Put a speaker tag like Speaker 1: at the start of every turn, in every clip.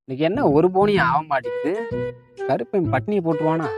Speaker 1: இன்னைக்கு என்ன ஒரு போனியும் ஆக மாட்டேங்குது. கருப்பன் பட்னியை போட்டுருவானா?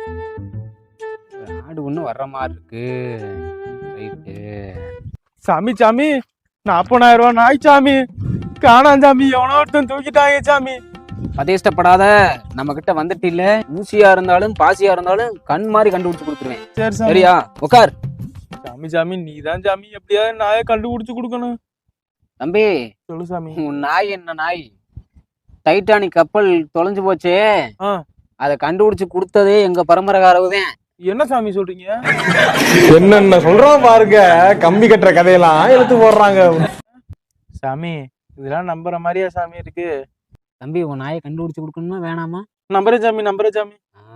Speaker 1: ஆடு ஒண்ணு வர்ற மாதிரி இருக்கு. ரைட்டு.
Speaker 2: சாமி சாமி 40,000 ரூபாய் நாய் சாமி காணாம் சாமி. எவனோ ஒருத்தன் தூக்கிட்டாங்க சாமி.
Speaker 1: பதேஷ்டப்படாத, நம்ம கிட்ட வந்துட்டு இல்ல. ஊசியா இருந்தாலும் பாசியா இருந்தாலும் கண் மாதிரி கண்டுபிடிச்சு கொடுத்துருவேன்.
Speaker 2: சரி சாமி.
Speaker 1: சரியா? உட்கார்.
Speaker 2: சாமி சாமி நீதான் சாமி எப்படியாவது நாயை கண்டுபிடிச்சு கொடுக்கணும்.
Speaker 1: தம்பி
Speaker 2: சொல்லு சாமி.
Speaker 1: உன் நாய் என்ன நாய்? டைட்டானிக் கப்பல் தொலைஞ்சு போச்சே, அதை கண்டுபிடிச்சு கொடுத்ததே எங்க பரம்பரைக்காரவுதான்.
Speaker 2: என்ன சாமி சொல்றீங்க?
Speaker 3: என்னென்ன சொல்றான் பாருங்க. கம்பி கட்டுற கதையெல்லாம் எடுத்து போடுறாங்க
Speaker 2: சாமி. இதெல்லாம் நம்புற மாதிரியா சாமி இருக்கு?
Speaker 1: தம்பி உன் நாயை கண்டுபிடிச்சு கொடுக்கணுமா வேணாமா?
Speaker 2: நம்புறேன் சாமி நம்புறேன் சாமி.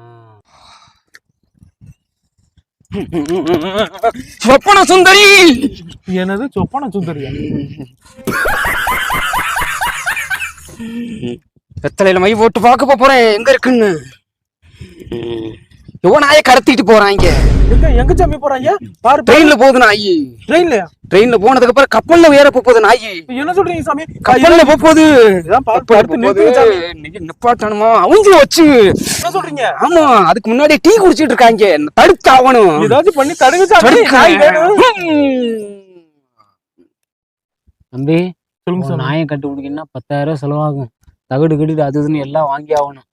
Speaker 1: சொப்பன சுந்தரி.
Speaker 2: என்னது சொப்பன சுந்தரியா?
Speaker 1: வெத்தலையில மை போட்டு பார்க்க போறேன் எங்க இருக்குன்னு. எவ்வளவு நாயை கடத்திட்டு போறாங்க.
Speaker 2: எங்க சாமி போறாங்க? பாரு
Speaker 1: ட்ரெயின்ல போகுது நாய்.
Speaker 2: ட்ரெயின்லயா?
Speaker 1: ட்ரெயின்ல போனதுக்கு அப்புறம் கப்பல்ல ஏற போகுது நாய்.
Speaker 2: என்ன சொல்றீங்க சாமி?
Speaker 1: கப்பல்ல போகுது.
Speaker 2: நிப்பாட்டணுமா?
Speaker 1: அவங்க வச்சு
Speaker 2: என்ன சொல்றீங்க?
Speaker 1: ஆமா, அதுக்கு முன்னாடி டீ குடிச்சிட்டு இருக்காங்க. தடுத்து ஆகணும்.
Speaker 2: ஏதாவது பண்ணி தடுங்க சாமி.
Speaker 1: தம்பி
Speaker 2: சொல்லுங்க சார்.
Speaker 1: நாயை கண்டுபிடிக்கணும்னா 10,000 செலவாகும். தகடு கடிடு அது இதுன்னு எல்லாம் வாங்கி ஆகணும்.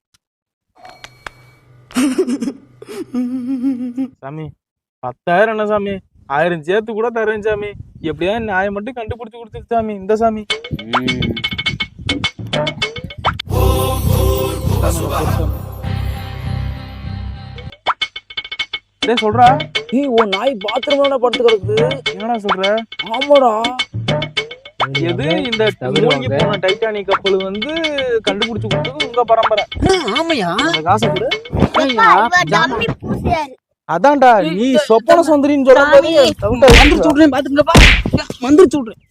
Speaker 2: சாமி 10,000 என்ன சாமி? 1000 சேர்த்து கூட தரேன் சாமி. எப்படியா நாயை மட்டும் கண்டுபிடிச்சு கொடுத்துரு சாமி. இந்த சாமி சொல்றா.
Speaker 1: நீ உன் நாய் பாத்ரூம்ல படுத்து கிடக்குது.
Speaker 2: என்னடா சொல்ற?
Speaker 1: ஆமாடா.
Speaker 2: எது இந்த மூழ்கி போன டைட்டானிக் கப்பல் வந்து கண்டுபிடிச்சு கொடுத்தது உங்க பரம்பரை?
Speaker 1: ஆமையா?
Speaker 2: காசு கொடு.
Speaker 4: டம்மி பூசியாரு.
Speaker 2: அதான்டா நீ சொப்பன சுந்தரின்னு சொல்ற.
Speaker 1: வந்துருச்சு விடுறேன், பாத்துக்கங்கப்பா. வந்துருச்சு விடுறேன்.